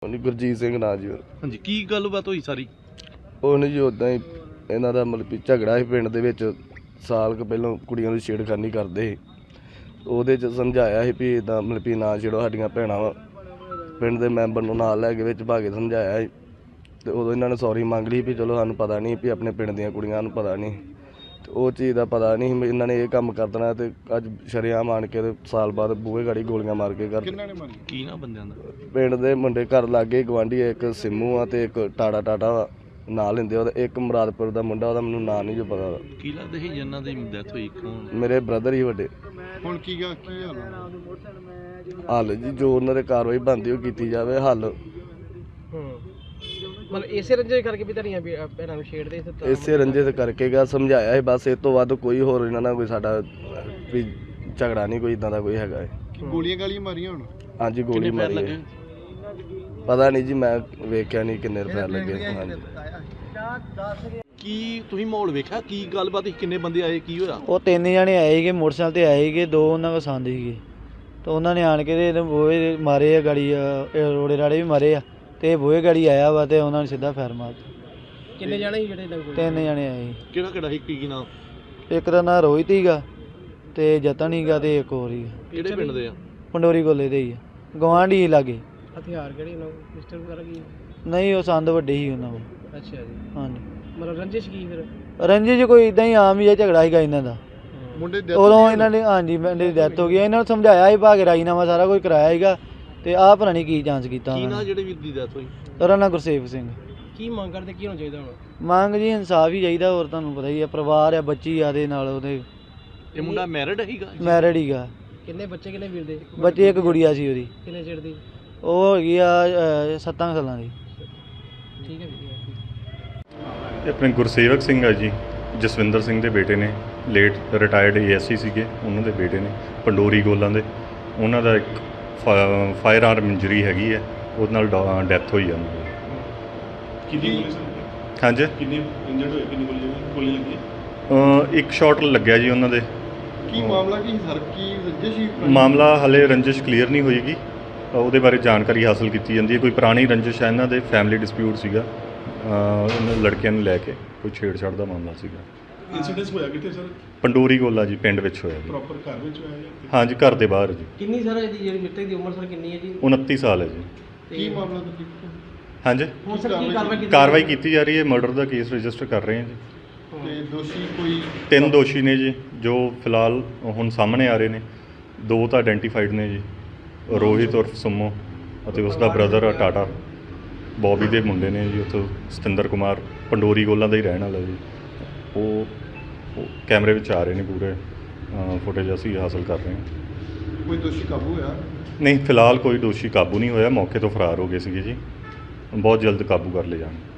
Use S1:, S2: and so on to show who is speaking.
S1: ਗੁਰਜੀਤ ਸਿੰਘ ਨਾਂ ਜੀ।
S2: ਹਾਂਜੀ, ਕੀ ਗੱਲਬਾਤ ਹੋਈ ਸਾਰੀ?
S1: ਉਹਨੇ ਜੀ ਉੱਦਾਂ ਹੀ ਇਹਨਾਂ ਦਾ ਮਤਲਬ ਵੀ ਝਗੜਾ ਸੀ ਪਿੰਡ ਦੇ ਵਿੱਚ। ਸਾਲ ਕੁ ਪਹਿਲਾਂ ਕੁੜੀਆਂ ਦੀ ਛੇੜਖਾਨੀ ਕਰਦੇ ਸੀ। ਉਹਦੇ 'ਚ ਸਮਝਾਇਆ ਸੀ ਵੀ ਇੱਦਾਂ ਮਤਲਬ ਵੀ ਨਾ ਛੇੜੋ ਸਾਡੀਆਂ ਭੈਣਾਂ ਵਾ। ਪਿੰਡ ਦੇ ਮੈਂਬਰ ਨੂੰ ਨਾਲ ਲੈ ਕੇ ਵਿੱਚ ਪਾ ਕੇ ਸਮਝਾਇਆ ਸੀ। ਅਤੇ ਉਦੋਂ ਇਹਨਾਂ ਨੇ ਸੌਰੀ ਮੰਗ ਲਈ ਵੀ ਚਲੋ ਸਾਨੂੰ ਪਤਾ ਨਹੀਂ ਵੀ ਆਪਣੇ ਪਿੰਡ ਦੀਆਂ ਕੁੜੀਆਂ ਨੂੰ ਪਤਾ ਨਹੀਂ। ਅਤੇ ਉਹ ਚੀਜ਼ ਦਾ ਪਤਾ ਨਹੀਂ ਸੀ ਇਹਨਾਂ ਨੇ ਇਹ ਕੰਮ ਕਰ ਦੇਣਾ। ਅਤੇ ਅੱਜ ਸ਼ਰੇਆਮ ਆਣ ਕੇ ਸਾਲ ਬਾਅਦ ਬੂਹੇ ਗਾੜੀ ਗੋਲੀਆਂ ਮਾਰ ਕੇ ਕਰ।
S2: ਕੀ ਨਾ ਬੰਦਿਆਂ ਦਾ?
S1: ਪਿੰਡ ਦੇ ਮੁੰਡੇ ਘਰ ਲਾਗੇ ਗੁਆਂਢੀ ਇੱਕ ਸਿੰਮੂ ਆ ਅਤੇ ਇੱਕ ਟਾਟਾ ਵਾ ਨਾਂ ਲੈਂਦੇ ਉਹਦਾ। ਇੱਕ ਮੁਰਾਦਪੁਰ ਦਾ ਮੁੰਡਾ, ਉਹਦਾ ਮੈਨੂੰ ਨਾਂ ਨਹੀਂ ਜੋ ਪਤਾ।
S2: ਕੀ ਲੱਗਦਾ ਸੀ ਜਿਨ੍ਹਾਂ ਦੀ ਡੈਥ ਹੋਈ?
S1: ਮੇਰੇ ਬ੍ਰਦਰ ਹੀ ਵੱਡੇ।
S3: ਹੁਣ ਕੀ ਹਾਲ?
S1: ਹੱਲ ਜੀ ਜੋ ਉਹਨਾਂ ਦੇ ਕਾਰਵਾਈ ਬਣਦੀ ਉਹ ਕੀਤੀ ਜਾਵੇ। ਹੱਲ
S4: ਮਤਲਬ ਇਸੇ ਰੰਜੇ ਕਰਕੇ ਵੀ ਤੁਹਾਡੀਆਂ ਭੈਣਾਂ ਨੂੰ ਛੇੜਦੇ ਸੀ?
S1: ਇਸੇ ਰੰਜੇ ਤੇ ਕਰਕੇ ਗਾ ਸਮਝਾਇਆ ਹੈ ਬਸ। ਇਸ ਤੋਂ ਵੱਧ ਕੋਈ ਹੋਰ ਇਹਨਾਂ ਨਾਲ ਕੋਈ ਸਾਡਾ ਵੀ ਝਗੜਾ ਨਹੀਂ, ਕੋਈ ਇੱਦਾਂ ਦਾ ਕੋਈ ਹੈਗਾ ਹੈ।
S3: ਗੋਲੀਆਂ ਗਾਲੀਆਂ ਮਾਰੀਆਂ ਹੁਣ?
S1: ਹਾਂਜੀ ਗੋਲੀ ਮਾਰੀ ਹੈ। ਪਤਾ ਨਹੀਂ ਜੀ, ਮੈਂ ਵੇਖਿਆ ਨਹੀਂ ਕਿੰਨੇ ਰੁਪਏ ਲੱਗੇ। ਹਾਂਜੀ
S2: ਕੀ ਤੁਸੀਂ ਮਾਹੌਲ ਵੇਖਿਆ? ਕੀ ਗੱਲਬਾਤ? ਕਿੰਨੇ ਬੰਦੇ ਆਏ? ਕੀ ਹੋਇਆ?
S5: ਉਹ 3 ਜਣੇ ਆਏ ਸੀਗੇ, ਮੋਟਰਸਾਈਕਲ ਤੇ ਆਏ ਸੀਗੇ। 2 ਉਹਨਾਂ ਕੋਲ ਸੰਦ ਸੀਗੇ ਤੇ ਉਹਨਾਂ ਨੇ ਆਣ ਕੇ ਤੇ ਬੂਹੇ ਮਾਰੇ ਆ ਗਾੜੀ, ਰੋੜੇ ਰਾੜੇ ਵੀ ਮਾਰੇ ਆ ਤੇ ਬੂਹੇ ਗਾੜੀ ਆਇਆ ਵਾ ਤੇ ਉਹਨਾਂ ਨੇ ਸਿੱਧਾ ਫਾਇਰ ਮਾਰਤਾ।
S4: ਕਿੰਨੇ ਜਾਣੇ ਸੀ ਜਿਹੜੇ?
S5: 3 ਜਣੇ ਆਏ ਸੀ।
S2: ਕਿਹੜਾ ਸੀ? ਕੀ ਨਾਮ?
S5: ਇੱਕ ਦਾ ਨਾਂ ਰੋਹਿਤ ਸੀਗਾ ਤੇ ਜਤਨ ਸੀਗਾ ਤੇ ਇੱਕ ਹੋਰ ਸੀਗਾ।
S2: ਕਿਹੜੇ ਪਿੰਡ ਦੇ ਆ?
S5: ਪੰਡੋਰੀ ਕੋਲੇ ਦੇ ਹੀ ਆ, ਗੁਆਂਢੀ ਲਾਗੇ।
S4: ਹਥਿਆਰ ਕਿਹੜੇ ਉਹਨਾਂ ਕੋਲ? ਪਿਸਟਲ ਵਗੈਰਾ ਕੀ?
S5: ਨਹੀਂ, ਉਹ ਸੰਦ ਵੱਡੇ ਸੀ ਉਹਨਾਂ ਕੋਲ।
S4: ਅੱਛਾ ਜੀ।
S5: ਹਾਂਜੀ।
S4: ਮਤਲਬ ਰੰਜਿਸ਼ ਕੀ ਫਿਰ?
S5: ਰੰਜੀ 'ਚ ਕੋਈ ਇਦਾਂ ਹੀ ਆਮ ਹੀ ਆ, ਝਗੜਾ ਸੀਗਾ ਇਹਨਾਂ ਦਾ।
S3: ਮੁੰਡੇ
S5: ਉਦੋਂ ਇਹਨਾਂ ਨੇ ਹਾਂਜੀ ਮੁੰਡੇ ਦੀ ਡੈਥ ਹੋ ਗਈ। ਇਹਨਾਂ ਨੂੰ ਸਮਝਾਇਆ ਸੀ, ਭਾਗ ਰਾਜੀਨਾਮਾ ਸਾਰਾ ਕੁਝ ਕਰਾਇਆ ਸੀਗਾ ਤੇ ਆਹ ਪਤਾ ਨਹੀਂ ਕੀ ਜਾਂਚ ਕੀਤਾ
S2: ਕੀ
S5: ਉਹਨਾਂ
S2: ਨਾ
S5: ਨੇ।
S2: ਜਿਹੜੇ ਵੀਰ ਦੀ ਡੈਥ ਹੋਈ?
S5: ਉਹਦਾ ਨਾਂ ਗੁਰਸੇਵ ਸਿੰਘ।
S4: ਕੀ ਮੰਗ ਕਰਦੇ? ਕੀ ਹੋਣਾ ਚਾਹੀਦਾ ਹੁਣ?
S5: ਮੰਗ ਜੀ ਇਨਸਾਫ ਹੀ ਚਾਹੀਦਾ। ਹੋਰ ਤੁਹਾਨੂੰ ਪਤਾ ਹੀ ਆ, ਪਰਿਵਾਰ ਆ, ਬੱਚੀ ਆ ਦੇ ਨਾਲ ਉਹਦੇ।
S2: ਇਹ ਮੁੰਡਾ ਮੈਰਿਡ ਸੀਗਾ?
S5: ਮੈਰਿਡ ਹੀਗਾ।
S4: ਕਿੰਨੇ ਬੱਚੇ? ਕਿੰਨੇ ਵੀਰ ਦੇ
S5: ਬੱਚੇ? ਇੱਕ ਗੁੜੀਆ ਸੀ ਉਹਦੀ।
S4: ਕਿੰਨੇ ਚਿਰ ਦੀ?
S5: ਉਹ ਹੈਗੀ ਆ 7 ਸਾਲਾਂ ਦੀ।
S4: ਠੀਕ ਹੈ ਜੀ।
S6: ਇਹ ਆਪਣੇ ਗੁਰਸੇਵਕ ਸਿੰਘ ਆ ਜੀ, ਜਸਵਿੰਦਰ ਸਿੰਘ ਦੇ ਬੇਟੇ ਨੇ। ਲੇਟ ਰਿਟਾਇਰਡ ASC ਸੀਗੇ, ਉਹਨਾਂ ਦੇ ਬੇਟੇ ਨੇ ਪੰਡੋਰੀ ਗੋਲਾਂ ਦੇ। ਉਹਨਾਂ ਦਾ ਇੱਕ ਫਾਇਰ ਆਰਮ ਇੰਜਰੀ ਹੈਗੀ ਹੈ, ਉਹਦੇ ਨਾਲ ਡੈਥ ਹੋਈ ਆ ਉਹਨਾਂ ਦੀ। ਹਾਂਜੀ,
S3: ਕਿੰਨੇ ਇੰਜਰਡ ਹੋਏ? ਕਿੰਨੀ ਗੋਲੀ ਲੱਗੀ?
S6: ਇੱਕ ਸ਼ਾਟ ਲੱਗਿਆ ਜੀ ਉਹਨਾਂ ਦੇ।
S3: ਕੀ ਮਾਮਲਾ ਕੀ ਸਰ? ਕੀ ਰੰਜਿਸ਼ ਸੀ?
S6: ਮਾਮਲਾ ਹਲੇ ਰੰਜਿਸ਼ ਕਲੀਅਰ ਨਹੀਂ ਹੋਏਗੀ, ਉਹਦੇ ਬਾਰੇ ਜਾਣਕਾਰੀ ਹਾਸਲ ਕੀਤੀ ਜਾਂਦੀ ਹੈ। ਕੋਈ ਪੁਰਾਣੀ ਰੰਜਿਸ਼ ਹੈ ਇਹਨਾਂ ਦੇ, ਫੈਮਿਲੀ ਡਿਸਪਿਊਟ ਸੀਗਾ। ਇਹਨਾਂ ਲੜਕਿਆਂ ਨੂੰ ਲੈ ਕੇ ਕੋਈ ਛੇੜਛਾੜ ਦਾ ਮਾਮਲਾ ਸੀਗਾ।
S3: ਇਨਸੀਡੈਂਸ ਹੋਇਆ ਕਿੱਥੇ ਸਰ?
S6: ਪੰਡੋਰੀ ਗੋਲਾ ਜੀ, ਪਿੰਡ ਵਿੱਚ ਹੋਇਆ ਜੀ।
S3: ਪ੍ਰੋਪਰ ਘਰ ਵਿੱਚ ਹੋਇਆ ਜਾਂ?
S6: ਹਾਂਜੀ, ਘਰ ਦੇ ਬਾਹਰ ਜੀ।
S4: ਕਿੰਨੀ ਸਰ ਇਹਦੀ ਜਿਹੜੀ ਮ੍ਰਿਤਕ ਦੀ ਉਮਰ ਸਰ ਕਿੰਨੀ ਹੈ ਜੀ?
S6: 29 ਸਾਲ ਹੈ ਜੀ।
S3: ਕੀ ਮਾਮਲਾ ਤੁਸੀਂ?
S6: ਹਾਂਜੀ,
S4: ਹੁਣ ਸਰ ਕੀ ਕਾਰਵਾਈ
S6: ਕਾਰਵਾਈ ਕੀਤੀ ਜਾ ਰਹੀ ਹੈ। ਮਰਡਰ ਦਾ ਕੇਸ ਰਜਿਸਟਰ ਕਰ ਰਹੇ ਹਾਂ ਜੀ।
S3: ਤੇ ਦੋਸ਼ੀ ਕੋਈ?
S6: 3 ਦੋਸ਼ੀ ਨੇ ਜੀ, ਜੋ ਫਿਲਹਾਲ ਹੁਣ ਸਾਹਮਣੇ ਆ ਰਹੇ ਨੇ। 2 ਤਾਂ ਆਇਡੈਂਟੀਫਾਈਡ ਨੇ ਜੀ, ਰੋਹਿਤ ਉਰਫ ਸੁਮੋ ਅਤੇ ਉਸ ਦਾ ਬ੍ਰਦਰ ਟਾਟਾ ਬੌਬੀ ਦੇ ਮੁੰਡੇ ਨੇ ਜੀ। ਉੱਥੋਂ ਸਤਿੰਦਰ ਕੁਮਾਰ ਪੰਡੋਰੀ ਗੋਲਾਂ ਦਾ ਹੀ ਰਹਿਣ ਵਾਲਾ ਜੀ। ਉਹ ਕੈਮਰੇ ਵਿੱਚ ਆ ਰਹੇ ਨੇ, ਪੂਰੇ ਫੁਟੇਜ ਅਸੀਂ ਹਾਸਲ ਕਰ ਰਹੇ ਹਾਂ।
S3: ਕੋਈ ਦੋਸ਼ੀ ਕਾਬੂ ਹੋਇਆ?
S6: ਨਹੀਂ, ਫਿਲਹਾਲ ਕੋਈ ਦੋਸ਼ੀ ਕਾਬੂ ਨਹੀਂ ਹੋਇਆ। ਮੌਕੇ ਤੋਂ ਫਰਾਰ ਹੋ ਗਏ ਸੀਗੇ ਜੀ। ਬਹੁਤ ਜਲਦ ਕਾਬੂ ਕਰ ਲਏ ਜਾਣਗੇ।